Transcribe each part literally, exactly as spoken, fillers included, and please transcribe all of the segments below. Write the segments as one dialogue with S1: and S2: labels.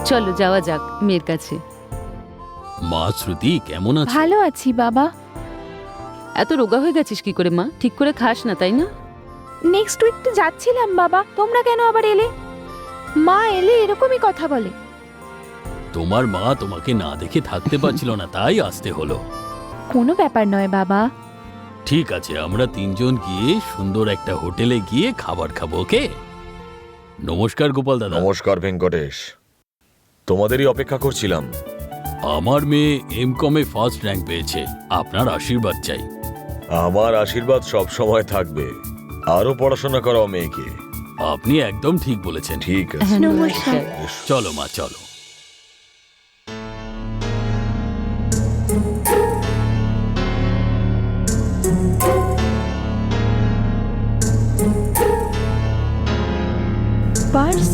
S1: চলো যাওয়া যাক মেয়ের কাছে।
S2: মা শ্রুতি কেমন আছে?
S3: ভালো আছি বাবা।
S1: এত রোগা হয়ে গেছিস কি করে মা? ঠিক করে খাস না তাই না?
S3: নেক্সট উইক তো যাচ্ছিলাম বাবা, তোমরা কেন আবার এলে? মা এলে এরকমই কথা বলে।
S2: তোমার মা তোমাকে না দেখে থাকতে পারছিল না, তাই আসতে হলো।
S3: কোনো ব্যাপার নয় বাবা।
S2: ঠিক আছে, আমরা তিনজন গিয়ে সুন্দর একটা হোটেলে গিয়ে খাবার খাবো, ওকে? নমস্কার গোপাল দাদা।
S4: নমস্কার ভেঙ্কটেশ, তোমাদেরই অপেক্ষা করছিলাম।
S2: আমার মেয়ে এম কমে ফার্স্ট র্যাঙ্ক পেয়েছে, আপনার আশীর্বাদ চাই।
S4: আমার আশীর্বাদ সব সময় থাকবে। আরো পড়াশোনা করাও মেয়েকে।
S2: আপনি একদম ঠিক বলেছেন।
S4: ঠিক আছে,
S3: নমস্কার।
S2: চলো মা চলো।
S3: পার্স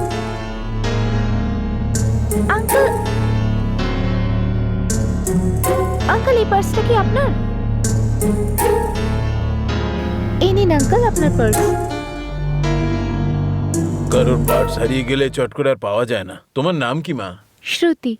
S3: আঙ্কেল, আঙ্কেল এই পার্সটা কি আপনার? এই নিন আঙ্কেল আপনার পার্স।
S5: কারোর পার্স হারিয়ে গেলে চট করে আর পাওয়া যায় না। তোমার নাম কি মা?
S3: শ্রুতি।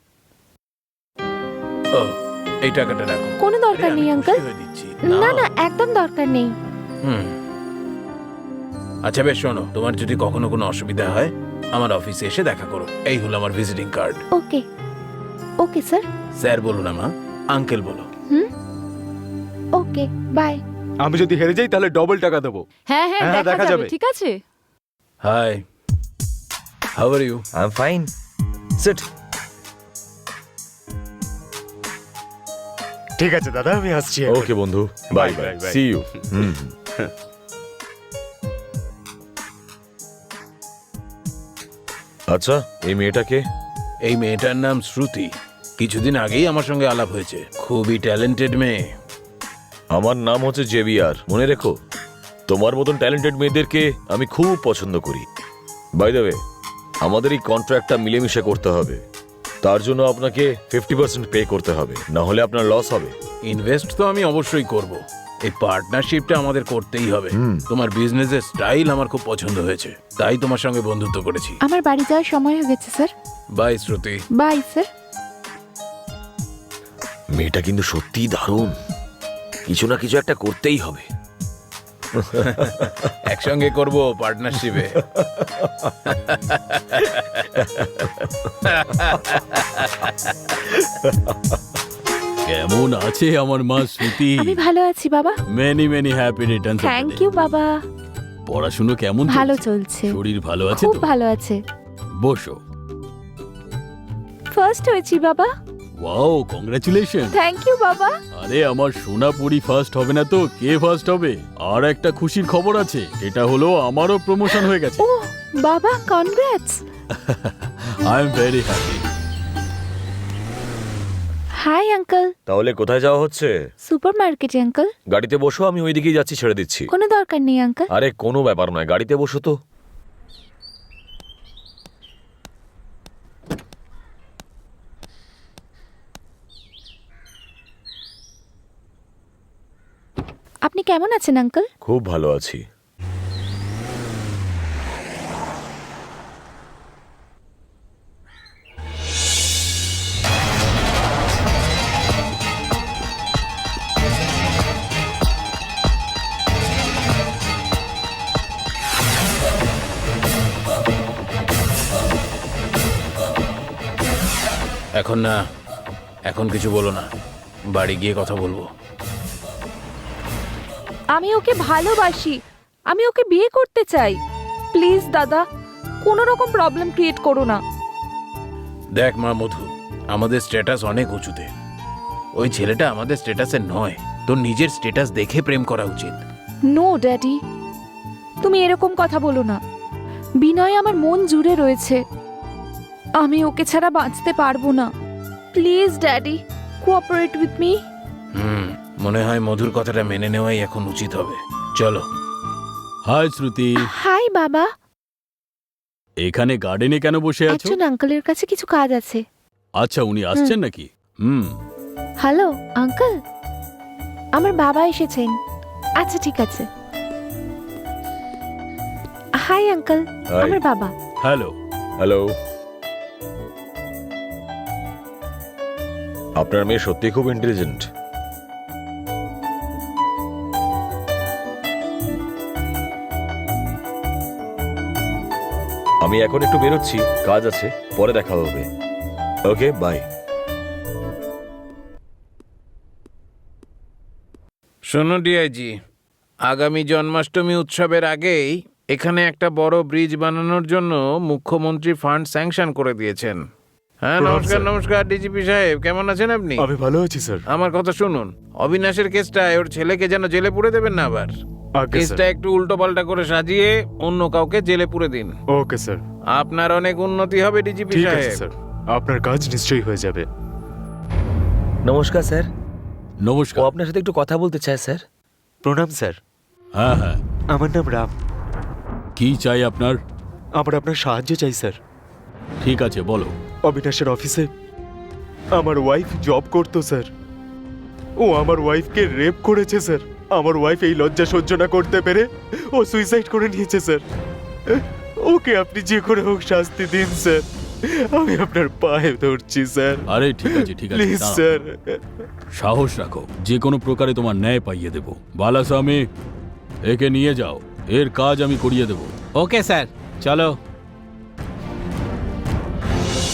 S5: ও, এই টাকাটা রাখো।
S3: কোনো দরকার
S5: আরে, আমি
S3: নেই
S5: খুশি
S3: আঙ্কেল।
S5: হয়ে দিচ্ছি।
S3: না না একদম দরকার নেই।
S5: হুম। আচ্ছা বেশ, শোনো, তোমার যদি কখনো কোনো অসুবিধা হয় আমার অফিসে এসে দেখা করো। এই হলো আমার visiting card.
S3: Okay okay sir.
S5: Sir বলো না মা, আঙ্কেল বলো।
S3: Hmm okay bye.
S6: আমি যদি হেরে যাই তাহলে ডবল টাকা দেবো।
S1: হ্যাঁ হ্যাঁ
S6: হ্যাঁ,
S1: দেখা
S6: দেখা
S1: যাবে,
S6: যাবে।
S1: ঠিক আছে।
S5: Hi, how are you?
S4: I am fine. Seat.
S6: ঠিক আছে দাদা, আমি আসছি।
S4: ওকে বন্ধু, bye bye, see you. Hmm. আচ্ছা, এই মেয়েটাকে?
S5: এই মেয়েটার নাম শ্রুতি। কিছুদিন আগেই আমার সঙ্গে আলাপ হয়েছে। খুবই ট্যালেন্টেড মেয়ে।
S4: আমার নাম হচ্ছে জেভিয়ার, মনে রেখো। তোমার মতন ট্যালেন্টেড মেয়েদেরকে আমি খুব পছন্দ করি। বাই দ্য ওয়ে, আমাদের এই কন্ট্রাক্টটা মিলেমিশে করতে হবে। তার জন্য আপনাকে ফিফটি পার্সেন্ট পে করতে হবে, না হলে আপনার লস হবে।
S5: ইনভেস্ট তো আমি অবশ্যই করব। এই পার্টনারশিপটা আমাদের করতেই হবে। তোমার বিজনেসের স্টাইল আমার খুব পছন্দ হয়েছে, তাই তোমার সঙ্গে বন্ধুত্ব করেছি।
S3: আমার বাড়ি যাওয়ার সময় হয়ে গেছে sir.
S5: Bye Shruti.
S3: Bye sir.
S4: মেয়েটা কিন্তু সত্যিই দারুণ। কিছু না কিছু একটা করতেই হবে।
S5: একসঙ্গে করব পার্টনারশিপে।
S2: কেমন আছে আমার মা শ্রুতি?
S3: আমি ভালো আছি বাবা।
S2: Many many happy returns.
S3: Thank you বাবা।
S2: পড়াশুনো কেমন
S3: ভালো
S2: চলছে?
S3: চলছে।
S2: শরীর ভালো আছে
S3: খুব
S2: তো?
S3: ভালো আছে।
S2: বসো।
S3: ফার্স্ট হয়েছি বাবা।
S2: Wow, congratulation.
S3: থ্যাংক ইউ বাবা।
S2: আরে আমার সোনাপুরি ফার্স্ট হবে না তো কে ফার্স্ট হবে? আর একটা খুশির খবর আছে, এটা হলো আমারও প্রমোশন হয়ে গেছে।
S3: ও বাবা, congrats.
S2: I am very happy.
S3: Hi uncle.
S4: তাহলে কোথায় যাওয়া হচ্ছে?
S3: সুপারমার্কেটে আঙ্কেল।
S4: গাড়িতে বসো, আমি ওইদিকেই যাচ্ছি, ছেড়ে দিচ্ছি।
S3: কোনো দরকার নেই আঙ্কেল।
S4: আরে কোনো ব্যাপার নয়, গাড়িতে বসো তো।
S3: আপনি কেমন আছেন আঙ্কেল?
S4: খুব ভালো আছি।
S5: এখন না, এখন কিছু বলো না, বাড়ি গিয়ে কথা বলবো।
S3: আমি ওকে ভালোবাসি, আমি ওকে বিয়ে করতে চাই। প্লিজ দাদা, কোনো রকম প্রবলেম ক্রিয়েট করো না।
S5: দেখ মা মধু, আমাদের স্ট্যাটাস অনেক উঁচুতে। ওই ছেলেটা আমাদের স্ট্যাটাসের নয়। তোর নিজের স্ট্যাটাস দেখে প্রেম করা উচিত।
S3: নো ড্যাডি, তুমি এরকম কথা বলো না। বিনয় আমার মন জুড়ে রয়েছে, আমি ওকে ছাড়া বাঁচতে পারবো না। Please daddy, cooperate with me.
S5: হুম, মনে হয় মধুর কথাটা মেনে নেওয়াই এখন উচিত হবে। চলো।
S2: হাই শ্রুতি।
S3: হাই বাবা।
S2: এখানে গার্ডেনে কেন বসে আছো?
S3: একজন আঙ্কেলের কাছে কিছু কাজ আছে।
S2: আচ্ছা, উনি আসছেন নাকি? হুম।
S3: হ্যালো আঙ্কেল, আমার বাবা এসেছেন। আচ্ছা ঠিক আছে। Hi uncle,
S4: Hi.
S3: আমার বাবা।
S2: হ্যালো।
S4: হ্যালো। আপনার মেয়ে সত্যি খুব ইন্টেলিজেন্ট। আমি এখন একটু বেরোচ্ছি, কাজ আছে, পরে দেখা হবে। ওকে, বাই।
S5: শোনো ডিআইজি, আগামী জন্মাষ্টমী উৎসবের আগেই এখানে একটা বড় ব্রিজ বানানোর জন্য মুখ্যমন্ত্রী ফান্ড স্যাংশন করে দিয়েছেন। হ্যাঁ,
S6: প্রণাম,
S5: নমস্কার
S6: স্যার।
S5: নমস্কার ডিজিপি সাহেব, কেমন আছেন আপনি?
S6: আমি ভালো আছি স্যার।
S5: আমার কথা শুনুন, অবিনাশের কেসটায় ওর ছেলেকে যেন জেলে পুরে দেবেন না আবার।
S6: আগে
S5: কেসটা
S6: স্যার।
S5: একটু উল্টো পাল্টা করে সাজিয়ে অন্য কাউকে জেলে পুরে দিন।
S6: ওকে স্যার,
S5: আপনার অনেক উন্নতি হবে ডিজিপি
S6: ঠিক আছে
S5: সাহেব।
S6: স্যার, আপনার কাজ নিশ্চয়ই হয়ে যাবে।
S7: নমস্কার স্যার, ও
S2: নমস্কার।
S7: আপনার সাথে একটু কথা বলতে চায় স্যার।
S6: প্রণাম স্যার,
S2: হ্যাঁ হ্যাঁ,
S6: আমার নাম রাম।
S2: কি চাই আপনার?
S6: আমার আপনার সাহায্য চাই স্যার।
S2: ঠিক আছে, বলো।
S6: অবিনাশের অফিসে আমার ওয়াইফ জব করতো স্যার। ও আমার ওয়াইফকে রেপ করেছে স্যার। আমার ওয়াইফ এই লজ্জা সহ্য না করতে পেরে ও সুইসাইড করে নিয়েছে স্যার। ওকে আপনি যে করে হোক শাস্তি দিন স্যার। আমি আপনার পায়ে ধরছি স্যার,
S2: আরে ঠিক আছে ঠিক আছে,
S6: প্লিজ
S2: দাঁড়াও।
S6: স্যার।
S2: সাহস রাখো, যে কোনো প্রকারে তোমার ন্যায় পাইয়ে দেব। বালাস্বামী, একে নিয়ে যাও, এর কাজ আমি করিয়ে দেব।
S8: ওকে স্যার, চলো।